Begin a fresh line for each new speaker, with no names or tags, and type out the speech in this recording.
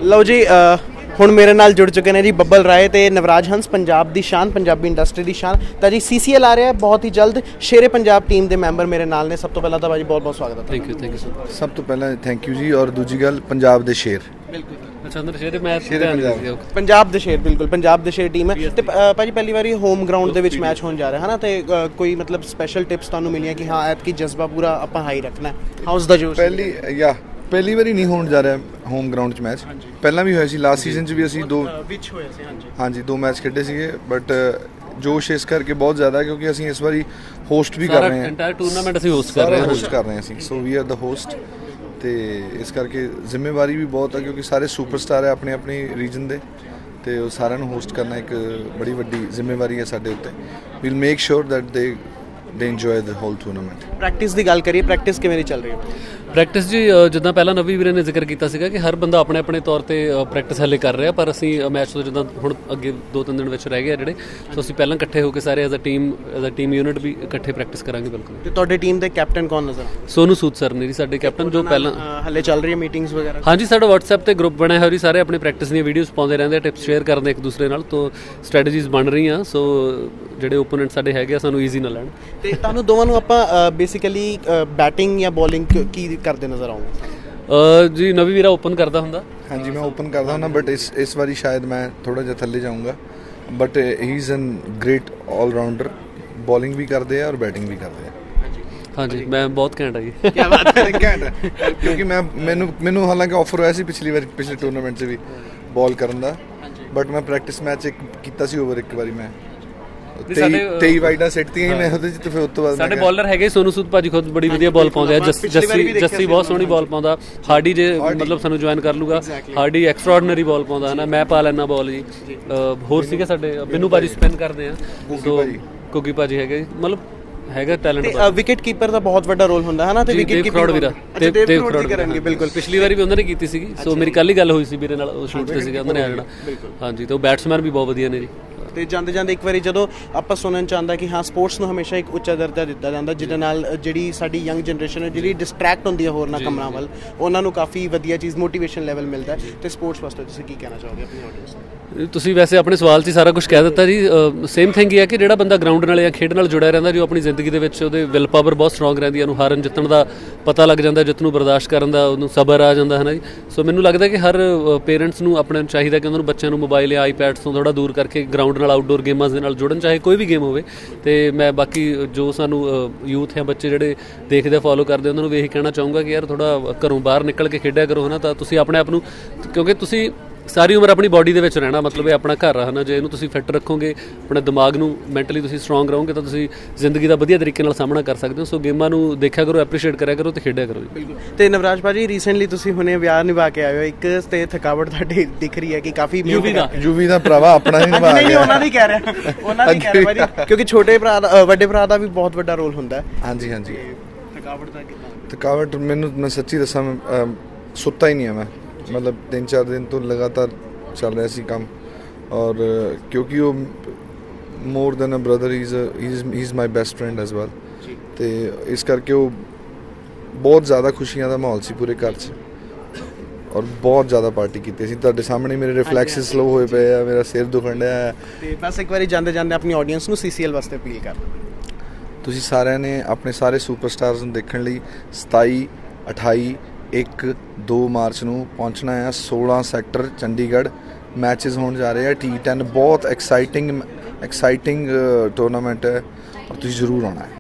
ਲਓ ਜੀ ਹੁਣ ਮੇਰੇ ਨਾਲ ਜੁੜ ਚੁੱਕੇ ਨੇ ਜੀ ਬੱਬਲ ਰਾਏ ਤੇ ਨਵਰਾਜ ਹੰਸ, ਪੰਜਾਬ ਦੀ ਸ਼ਾਨ, ਪੰਜਾਬੀ ਇੰਡਸਟਰੀ ਦੀ ਸ਼ਾਨ। ਤਾਂ ਜੀ CCL ਆ ਰਿਹਾ ਬਹੁਤ ਹੀ ਜਲਦ। ਸ਼ੇਰੇ ਪੰਜਾਬ ਟੀਮ ਦੇ ਮੈਂਬਰ ਮੇਰੇ ਨਾਲ ਨੇ। ਸਭ ਤੋਂ ਪਹਿਲਾਂ ਤਾਂ ਭਾਜੀ ਬਹੁਤ ਬਹੁਤ ਸਵਾਗਤ ਹੈ।
ਥੈਂਕ ਯੂ
ਸਭ ਤੋਂ ਪਹਿਲਾਂ ਥੈਂਕ ਯੂ ਜੀ। ਔਰ ਦੂਜੀ ਗੱਲ, ਪੰਜਾਬ ਦੇ ਸ਼ੇਰ।
ਬਿਲਕੁਲ
ਪੰਜਾਬ
ਦੇ ਸ਼ੇਰ, ਬਿਲਕੁਲ ਪੰਜਾਬ ਦੇ ਸ਼ੇਰ ਟੀਮ ਹੈ। ਤੇ ਭਾਜੀ ਪਹਿਲੀ ਵਾਰੀ ਹੋਮ ਗਰਾਊਂਡ ਦੇ ਵਿੱਚ ਮੈਚ ਹੋਣ ਜਾ ਰਿਹਾ ਹੈ ਨਾ, ਤੇ ਕੋਈ ਮਤਲਬ ਸਪੈਸ਼ਲ ਟਿਪਸ ਤੁਹਾਨੂੰ ਮਿਲੀਆਂ ਕਿ ਹਾਂ ਐਤਕੀ ਜਜ਼ਬਾ ਪੂਰਾ ਆਪਾਂ ਹਾਈ ਰੱਖਣਾ? ਹਾਊਸ ਦਾ ਜੋਸ਼?
ਪਹਿਲੀ ਵਾਰੀ ਨਹੀਂ ਹੋਣ ਜਾ ਰਿਹਾ ਹੋਮ ਗਰਾਊਂਡ 'ਚ ਮੈਚ। ਪਹਿਲਾਂ ਵੀ ਹੋਇਆ ਸੀ, ਲਾਸਟ ਸੀਜ਼ਨ 'ਚ ਵੀ ਅਸੀਂ ਦੋ ਮੈਚ ਖੇਡੇ ਸੀਗੇ। ਬਟ ਜੋਸ਼ ਇਸ ਕਰਕੇ ਬਹੁਤ ਜ਼ਿਆਦਾ ਕਿਉਂਕਿ ਅਸੀਂ ਇਸ ਵਾਰੀ ਹੋਸਟ ਵੀ ਕਰ ਰਹੇ ਹਾਂ।
ਇੰਟਾਇਰ ਟੂਰਨਾਮੈਂਟ ਅਸੀਂ ਹੋਸਟ ਕਰ ਰਹੇ
ਹਾਂ ਅਸੀਂ। ਸੋ ਵੀ ਆਰ ਦਾ ਹੋਸਟ। ਤੇ ਇਸ ਕਰਕੇ ਜ਼ਿੰਮੇਵਾਰੀ ਵੀ ਬਹੁਤ ਹੈ ਕਿਉਂਕਿ ਸਾਰੇ ਸੁਪਰਸਟਾਰ ਹੈ ਆਪਣੇ ਆਪਣੇ ਰੀਜਨ ਦੇ, ਤੇ ਉਹ ਸਾਰਿਆਂ ਨੂੰ ਹੋਸਟ ਕਰਨਾ ਇੱਕ ਬੜੀ ਵੱਡੀ ਜ਼ਿੰਮੇਵਾਰੀ ਹੈ ਸਾਡੇ ਉੱਤੇ। We'll make sure that they enjoy the whole tournament.
Practice ਦੀ ਗੱਲ ਕਰੀਏ, ਪ੍ਰੈਕਟਿਸ ਕਿਵੇਂ ਦੀ ਚੱਲ ਰਹੀ ਹੈ?
ਪ੍ਰੈਕਟਿਸ ਜੀ ਜਿੱਦਾਂ ਪਹਿਲਾਂ ਨਵੀ ਵੀਰੇ ਨੇ ਜ਼ਿਕਰ ਕੀਤਾ ਸੀਗਾ ਕਿ ਹਰ ਬੰਦਾ ਆਪਣੇ ਆਪਣੇ ਤੌਰ ਤੇ ਪ੍ਰੈਕਟਿਸ ਹਲੇ ਕਰ ਰਿਹਾ, ਪਰ ਅਸੀਂ ਮੈਚ ਤੋਂ ਜਿੱਦਾਂ ਹੁਣ ਅੱਗੇ 2-3 ਦਿਨ ਵਿੱਚ ਰਹਿ ਗਏ ਜਿਹੜੇ, ਸੋ ਅਸੀਂ ਪਹਿਲਾਂ ਇਕੱਠੇ ਹੋ ਕੇ ਸਾਰੇ ਐਜ਼ ਅ ਟੀਮ ਯੂਨਿਟ ਵੀ ਇਕੱਠੇ ਪ੍ਰੈਕਟਿਸ ਕਰਾਂਗੇ। ਬਿਲਕੁਲ।
ਤੇ ਤੁਹਾਡੇ ਟੀਮ ਦੇ ਕੈਪਟਨ ਕੌਣ ਨਜ਼ਰ ਆਉਂਦੇ?
ਸੋਨੂ ਸੂਦ ਸਰ ਨੇ ਜੀ ਸਾਡੇ ਕੈਪਟਨ, ਜੋ ਪਹਿਲਾਂ
ਹਲੇ ਚੱਲ ਰਹੀ ਹੈ ਮੀਟਿੰਗਸ ਵਗੈਰਾ?
ਹਾਂਜੀ, ਸਾਡਾ WhatsApp ਤੇ ਗਰੁੱਪ ਬਣਿਆ ਹੋਇਆ ਜੀ। ਸਾਰੇ ਆਪਣੀ ਪ੍ਰੈਕਟਿਸ ਦੀਆਂ ਵੀਡੀਓਜ਼ ਪਾਉਂਦੇ ਰਹਿੰਦੇ ਆ, ਟਿਪਸ ਸ਼ੇਅਰ ਕਰਦੇ ਇੱਕ ਦੂਸਰੇ ਨਾਲ, ਤੋਂ ਸਟ੍ਰੈਟਜੀਜ਼ ਬਣ ਰਹੀਆਂ। ਸੋ ਜਿਹੜੇ ਓਪੋਨੈਂਟ ਸਾਡੇ ਹੈਗੇ ਆ ਸਾਨੂੰ ਈਜ਼ੀ ਨਾ ਲੈਣ। ਤੇ
ਤੁਹਾਨੂੰ ਦੋਵਾਂ ਨੂੰ ਆਪਾਂ ਬੇਸਿਕਲੀ ਬੈਟਿੰਗ ਜਾਂ ਬੋਲਿੰਗ ਕੀ ਕਰਦੇ ਨਜ਼ਰ ਆਉਂਗੇ?
ਜੀ ਨਵੀ ਵੀਰਾ ਓਪਨ ਕਰਦਾ ਹੁੰਦਾ।
ਹਾਂਜੀ, ਮੈਂ ਓਪਨ ਕਰਦਾ ਹੁੰਦਾ, ਬਟ ਇਸ ਵਾਰੀ ਸ਼ਾਇਦ ਮੈਂ ਥੋੜਾ ਜਿਹਾ ਥੱਲੇ ਜਾਊਂਗਾ। But he is an great allrounder, bowling ਵੀ ਕਰਦੇ ਆ ਔਰ ਬੈਟਿੰਗ ਵੀ ਕਰਦੇ ਆ।
ਹਾਂਜੀ, ਮੈਂ ਬਹੁਤ ਘੈਂਟ ਆ ਜੀ।
ਕੀ ਬਾਤ ਹੈ, ਘੈਂਟ ਹੈ। ਕਿਉਂਕਿ ਮੈਨੂੰ ਹਾਲਾਂਕਿ ਆਫਰ ਹੋਇਆ ਸੀ ਪਿਛਲੇ ਟੂਰਨਾਮੈਂਟ 'ਚ ਵੀ ਬਾਲ ਕਰਨ ਦਾ, ਬਟ ਮੈਂ ਪ੍ਰੈਕਟਿਸ ਮੈਚ ਕੀਤਾ ਸੀ ਓਵਰ ਇੱਕ ਵਾਰੀ। ਮੈਂ 23 ਵਾਈਡਾਂ ਸਿੱਟਤੀਆਂ ਹੀ ਮੈਂ ਉਹਦੇ 'ਚ, ਤੇ ਫਿਰ ਉਸ ਤੋਂ ਬਾਅਦ
ਸਾਡੇ ਬੋਲਰ ਹੈਗੇ ਸੋਨੂ ਸੂਦ ਭਾਜੀ, ਖੁਦ ਬੜੀ ਵਧੀਆ ਬਾਲ ਪਾਉਂਦੇ ਆ। ਜੱਸੀ ਬਹੁਤ ਸੋਹਣੀ ਬਾਲ ਪਾਉਂਦਾ। ਹਾਰਡੀ ਜੇ ਮਤਲਬ ਸਾਨੂੰ ਜੁਆਇਨ ਕਰ ਲੂਗਾ, ਹਾਰਡੀ ਐਕਸਟਰਾਆਰਡੀਨਰੀ ਬਾਲ ਪਾਉਂਦਾ ਹੈ ਨਾ। ਮੈਂ ਪਾ ਲੈਣਾ ਬਾਲ ਜੀ। ਹੋਰ ਸੀਗੇ ਸਾਡੇ ਬਿੰਨੂ ਭਾਜੀ ਸਪਿਨ ਕਰਦੇ ਆ, ਕੁੱਗੀ ਭਾਜੀ ਹੈਗੇ, ਮਤਲਬ ਹੈਗਾ ਟੈਲੈਂਟ।
ਵਿਕਟ ਕੀਪਰ ਦਾ ਬਹੁਤ ਵੱਡਾ ਰੋਲ ਹੁੰਦਾ ਹੈ ਨਾ, ਤੇ ਵਿਕਟ ਕੀਪਰ ਵੀਰਾ ਕਰਨਗੇ। ਬਿਲਕੁਲ,
ਪਿਛਲੀ ਵਾਰੀ ਵੀ ਉਹਨਾਂ ਨੇ ਕੀਤੀ ਸੀਗੀ। ਸੋ ਮੇਰੀ ਕੱਲ ਹੀ ਗੱਲ ਹੋਈ ਸੀ ਵੀਰੇ ਨਾਲ, ਉਹ ਸ਼ੂਟ ਤੇ ਸੀਗਾ, ਉਹਨਾਂ ਨੇ ਆ ਜਾਣਾ। ਹਾਂਜੀ, ਤੇ ਉਹ ਬੈਟਸਮੈਨ ਵੀ ਬਹੁਤ ਵਧੀਆ ਨੇ ਜੀ।
ਤੇ ਜਾਂਦੇ ਜਾਂਦੇ ਇੱਕ ਵਾਰੀ ਜਦੋਂ ਆਪਾਂ ਸੁਣਨ ਚ ਆਉਂਦਾ ਕਿ ਹਾਂ ਸਪੋਰਟਸ ਨੂੰ ਹਮੇਸ਼ਾ ਇੱਕ ਉੱਚਾ ਦਰਜਾ ਦਿੱਤਾ ਜਾਂਦਾ, ਜਿਹਦੇ ਨਾਲ ਜਿਹੜੀ ਸਾਡੀ ਯੰਗ ਜਨਰੇਸ਼ਨ ਹੈ ਜਿਹੜੀ ਡਿਸਟਰੈਕਟ ਹੁੰਦੀ ਹੈ ਹੋਰਨਾਂ ਕੰਮਾਂ ਵੱਲ, ਉਹਨਾਂ ਨੂੰ ਕਾਫੀ ਵਧੀਆ ਚੀਜ਼ ਮੋਟੀਵੇਸ਼ਨ ਲੈਵਲ ਮਿਲਦਾ ਹੈ। ਤੇ ਸਪੋਰਟਸ ਵਾਸਤੇ ਤੁਸੀਂ ਕੀ ਕਹਿਣਾ ਚਾਹੋਗੇ ਆਪਣੀ ਆਡੀਅנס ਨੂੰ?
ਤੁਸੀਂ ਵੈਸੇ ਆਪਣੇ ਸਵਾਲ 'ਚ ਹੀ ਸਾਰਾ ਕੁਝ ਕਹਿ ਦਿੱਤਾ ਜੀ। ਸੇਮ ਥਿੰਗ ਹੀ ਹੈ ਕਿ ਜਿਹੜਾ ਬੰਦਾ ਗਰਾਊਂਡ ਨਾਲ ਜਾਂ ਖੇਡ ਨਾਲ ਜੁੜਿਆ ਰਹਿੰਦਾ, ਜੋ ਆਪਣੀ ਜ਼ਿੰਦਗੀ ਦੇ ਵਿੱਚ ਉਹਦੇ ਵਿਲ ਪਾਵਰ ਬਹੁਤ ਸਟਰੋਂਗ ਰਹਿੰਦੀ ਹੈ, ਉਹਨੂੰ ਹਾਰਨ ਜਿੱਤਣ ਦਾ ਪਤਾ ਲੱਗ ਜਾਂਦਾ, ਜਿੱਤ ਨੂੰ ਬਰਦਾਸ਼ਤ ਕਰਨ ਦਾ ਉਹਨੂੰ ਸਬਰ ਆ ਜਾਂਦਾ ਹੈ ਨਾ ਜੀ। ਸੋ ਮੈਨੂੰ ਲੱਗਦਾ ਕਿ ਹਰ ਪੇਰੈਂਟਸ ਨੂੰ ਆਪਣੇ ਨੂੰ ਚਾਹੀਦਾ ਕਿ ਉਹਨਾਂ ਨੂੰ ਬੱਚਿਆਂ ਨੂੰ ਮੋਬਾਈਲ ਜਾਂ ਆਈਪੈਡਸ ਤੋਂ ਥੋੜ੍ਹਾ ਦੂਰ ਕਰਕੇ ਗਰਾਊਂਡ ਨਾਲ ਆਊਟਡੋਰ ਗੇਮਾਂ ਦੇ ਨਾਲ ਜੁੜਨ, ਚਾਹੇ ਕੋਈ ਵੀ ਗੇਮ ਹੋਵੇ। ਤੇ ਮੈਂ ਬਾਕੀ ਜੋ ਸਾਨੂੰ ਯੂਥ ਜਾਂ ਬੱਚੇ ਜਿਹੜੇ ਦੇਖਦੇ ਫੋਲੋ ਕਰਦੇ, ਉਹਨਾਂ ਨੂੰ ਵੀ ਇਹੀ ਕਹਿਣਾ ਚਾਹੂੰਗਾ ਕਿ ਯਾਰ ਥੋੜ੍ਹਾ ਘਰੋਂ ਬਾਹਰ ਨਿਕਲ ਕੇ ਖੇਡਿਆ ਕਰੋ, ਹੈ ਨਾ। ਤਾਂ ਤੁਸੀਂ ਆਪਣੇ ਆਪ ਨੂੰ, ਕਿਉਂਕਿ ਤੁਸੀਂ ਸਾਰੀ ਉਮਰ ਆਪਣੀ ਬਾਡੀ ਦੇ ਵਿੱਚ ਰਹਿਣਾ, ਮਤਲਬ ਇਹ ਆਪਣਾ ਘਰ ਆ, ਹੈ ਨਾ। ਜੇ ਇਹਨੂੰ ਤੁਸੀਂ ਫਿੱਟ ਰੱਖੋਗੇ, ਆਪਣੇ ਦਿਮਾਗ ਨੂੰ ਮੈਂਟਲੀ ਤੁਸੀਂ ਸਟਰੋਂਗ ਰਹੋਗੇ, ਤਾਂ ਤੁਸੀਂ ਜ਼ਿੰਦਗੀ ਦਾ ਵਧੀਆ ਤਰੀਕੇ ਨਾਲ ਸਾਹਮਣਾ ਕਰ ਸਕਦੇ ਹੋ। ਸੋ ਗੇਮਾਂ ਨੂੰ ਦੇਖਿਆ ਕਰੋ, ਐਪਰੀਸ਼ੀਏਟ ਕਰਿਆ ਕਰੋ ਤੇ ਖੇਡਿਆ ਕਰੋ ਜੀ।
ਬਿਲਕੁਲ। ਤੇ ਨਵਰਾਜ ਭਾਜੀ, ਰੀਸੈਂਟਲੀ ਤੁਸੀਂ ਹੁਣੇ ਵਿਆਹ ਨਿਭਾ ਕੇ ਆਏ ਹੋ, ਇੱਕ ਤੇ ਥਕਾਵਟ ਤੁਹਾਡੀ ਦਿਖ ਰਹੀ ਹੈ ਕਿ ਕਾਫੀ
ਯੂਵੀ ਦਾ ਭਰਾਵਾ ਆਪਣਾ ਹੀ ਨਿਭਾ ਗਿਆ।
ਉਹਨਾਂ ਦੀ ਕਹਿ ਰਿਹਾ ਭਾਜੀ, ਕਿਉਂਕਿ ਛੋਟੇ ਭਰਾ ਦਾ ਵੱਡੇ ਭਰਾ ਦਾ ਵੀ ਬਹੁਤ ਵੱਡਾ ਰੋਲ ਹੁੰਦਾ।
ਹਾਂਜੀ ਹਾਂਜੀ।
ਥਕਾਵਟ ਦਾ ਕਿੱਦਾਂ?
ਥਕਾਵਟ ਮੈਨੂੰ, ਮੈਂ ਸੱਚੀ ਦੱਸਾਂ, ਸੁੱਤਾ ਹੀ ਨਹੀਂ ਹੈ ਮੈਂ। ਮਤਲਬ 3-4 ਦਿਨ ਤੋਂ ਲਗਾਤਾਰ ਚੱਲ ਰਿਹਾ ਸੀ ਕੰਮ, ਔਰ ਕਿਉਂਕਿ ਉਹ more than a brother, he is my best friend as well. ਤੇ ਇਸ ਕਰਕੇ ਉਹ ਬਹੁਤ ਜ਼ਿਆਦਾ ਖੁਸ਼ੀਆਂ ਦਾ ਮਾਹੌਲ ਸੀ ਪੂਰੇ ਘਰ 'ਚ, ਔਰ ਬਹੁਤ ਜ਼ਿਆਦਾ ਪਾਰਟੀ ਕੀਤੀ ਸੀ। ਤੁਹਾਡੇ ਸਾਹਮਣੇ ਮੇਰੇ ਰਿਫਲੈਕਸਿਸ ਸਲੋ ਹੋਏ ਪਏ ਆ, ਮੇਰਾ ਸਿਰ ਦੁਖਣ ਡਿਆ।
ਤੇ ਬਸ ਇੱਕ ਵਾਰੀ ਜਾਂਦੇ ਜਾਂਦੇ ਆਪਣੀ ਆਡੀਅנס ਨੂੰ CCL ਵਾਸਤੇ ਅਪੀਲ ਕਰ ਦਿਓ।
ਤੁਸੀਂ ਸਾਰਿਆਂ ਨੇ ਆਪਣੇ ਸਾਰੇ ਸੁਪਰਸਟਾਰਸ ਨੂੰ ਦੇਖਣ ਲਈ 27, 28, 1, 2 ਮਾਰਚ ਨੂੰ ਪਹੁੰਚਣਾ ਹੈ 16 ਸੈਕਟਰ ਚੰਡੀਗੜ੍ਹ। ਮੈਚਿਸ ਹੋਣ ਜਾ ਰਹੇ ਆ T10, ਬਹੁਤ ਐਕਸਾਈਟਿੰਗ ਟੂਰਨਾਮੈਂਟ ਹੈ, ਔਰ ਤੁਸੀਂ ਜ਼ਰੂਰ ਆਉਣਾ ਹੈ।